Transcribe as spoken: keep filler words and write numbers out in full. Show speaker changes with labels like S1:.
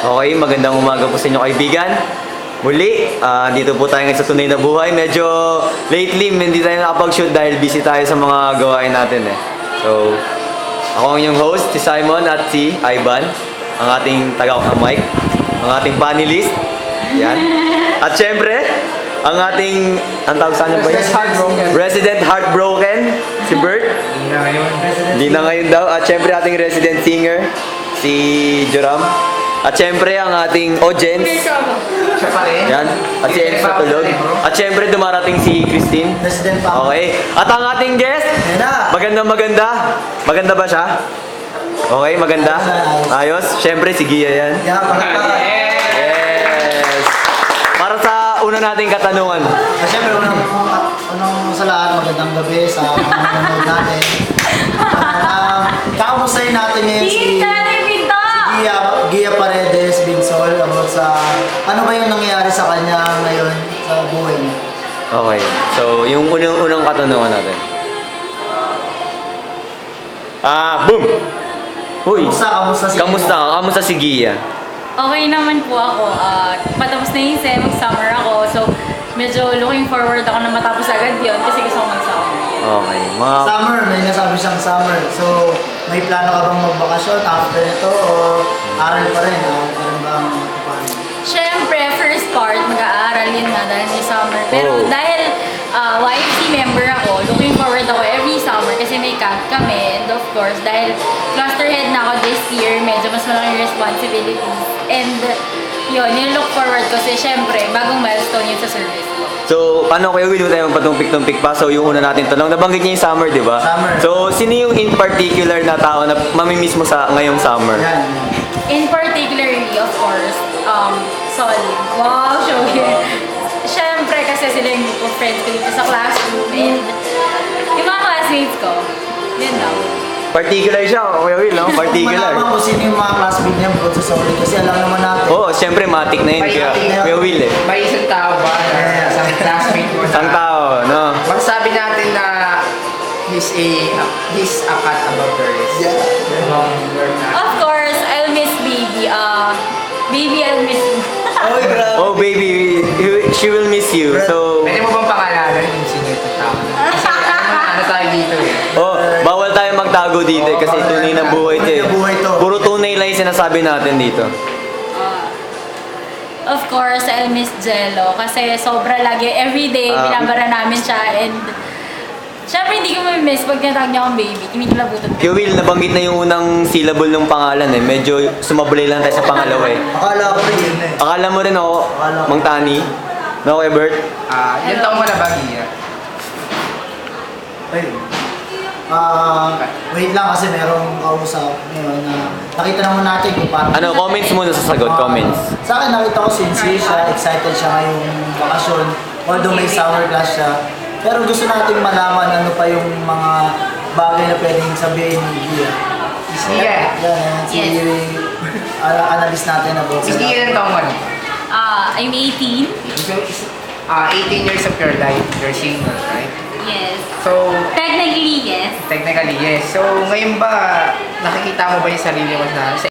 S1: Okay, magandang umaga po sa inyo kaibigan. Muli, ah, dito po tayo ngayon sa tunay na buhay. Medyo lately, hindi tayo nakapag-shoot dahil busy tayo sa mga gawain natin eh. So, ako ang inyong host, si Simon at si Ivan, ang ating tagawak ng mic, ang ating panelist. Yan. At syempre, ang ating, ang tawag sa ba yun? Resident Heartbroken, si Bert.
S2: Hindi na ngayon.
S1: Hindi na ngayon daw. At syempre, ating resident singer, si Joram. At syempre, ang ating audience.
S2: Siya pa rin.
S1: Yan. At si Enzo tulog. At syempre, dumarating si Christine.
S3: President pa.
S1: Okay. At ang ating guest,
S3: Yan na.
S1: maganda maganda. Maganda ba siya? Okay, maganda. Ayos. Syempre, si Gia yan.
S3: Yan, palakpakan.
S1: Yes. Para sa una nating katanungan.
S3: Ah, Siyempre, unang, unang sa lahat, magandang gabi sa mga nanonood natin. Um, Kakamustahin natin ngayon si, si Gia, Gia Paredes Binsol about sa ano ba yung nangyayari sa kanya ngayon sa buhay niya.
S1: Okay. So, yung unang-unang katanungan natin. Ah, boom! Uy!
S3: Kamusta, kamusta si
S1: Kamusta ka? Kamusta si Gia?
S4: Okay naman po ako. Uh, patapos na yung sem, mag-summer ako. So, medyo looking forward ako na matapos agad yun kasi gusto ko mag-summer.
S1: Okay. Mga...
S3: Summer, may nasabi siyang summer. So, may plano ka bang magbakasyon after ito o aral pa rin? Aral pa rin ba ang paano?
S4: Siyempre, first part, mag-aaral yun nga dahil may summer. Pero
S1: Oh.
S4: dahil uh, Y F C member ako, looking forward ako every summer kasi may camp kami. And of course, dahil cluster head na ako this year, medyo mas malaking responsibilities. And yun, yung look forward ko kasi syempre, bagong milestone yun sa service ko.
S1: So, paano kayo will tayo magpatumpik-tumpik pa? So, yung una natin tanong, nabanggit niya yung summer, di ba?
S3: Summer.
S1: So, sino yung in particular na tao na mamimiss mo sa ngayong summer?
S3: Yan.
S4: In particularly, of course, um, Solid. Wow, show here. Siyempre, kasi sila yung group of friends ko dito sa classroom and yung mga classmates ko, yun lang.
S1: Particular siya, Kuya Will, no?
S3: Kung
S1: Particular.
S3: malaman ko sino yung mga classmate niya bukod sa Solid kasi alam naman natin.
S1: Oo, oh, siyempre matik na yun, Kuya, Kuya Will eh.
S2: May isang tao ba na isang classmate mo na
S1: Isang tao, no?
S2: magsabi natin na he's a he's a cat above the rest.
S3: Yeah.
S2: Among your class.
S4: Of course, I'll miss baby. Uh, baby, I'll miss you.
S3: Oy, grabe.
S1: Oh, baby, you- she will miss you. So,
S2: Pwede mo bang pangalanan kung sino itong tao? Kasi ano, ano tayo dito eh.
S1: oh, bawal tayo magtago dito eh, kasi
S3: Oo,
S1: tunay na
S3: bawal
S1: buhay
S3: na.
S1: ito eh.
S3: Tunay na buhay to.
S1: Puro tunay lang yung sinasabi natin dito.
S4: Uh, of course, I'll miss Jello kasi sobra lagi. Everyday,
S1: Ah.
S4: binabara namin siya and syempre hindi ko ma-miss pag tinatawag niya akong baby. Kinikilabutan ko.
S1: Kuya Will, nabanggit na yung unang syllable ng pangalan eh. Medyo sumabulay lang tayo sa pangalawa eh.
S3: Akala ko rin yun eh.
S1: Akala mo rin ako,
S3: Akala ko.
S1: Mang Tani? No, Kuya Bert?
S2: Ah, yung taong mo na ba, Gia?
S3: Ayun. Ah, wait lang kasi merong kausap ngayon na nakita naman natin kung paano.
S1: Ano, comments muna sa sagot,
S3: Ah,
S1: comments.
S3: Sa akin nakita ko sincere siya, excited siya ngayong bakasyon. Although may summer class siya. Pero gusto nating malaman ano pa yung mga bagay na pwedeng sabihin ni Gia.
S2: Miss Gia.
S3: Yan, yan. Si ana- analyst natin about
S2: Miss Gia, ilang taong mo na?
S4: Ah, I'm eighteen.
S2: So, is- ah, eighteen years of your life, you're single, right?
S4: Yes.
S2: So,
S4: Technically, yes.
S2: technically, yes. So, ngayon ba, nakikita mo ba yung sarili mo na sa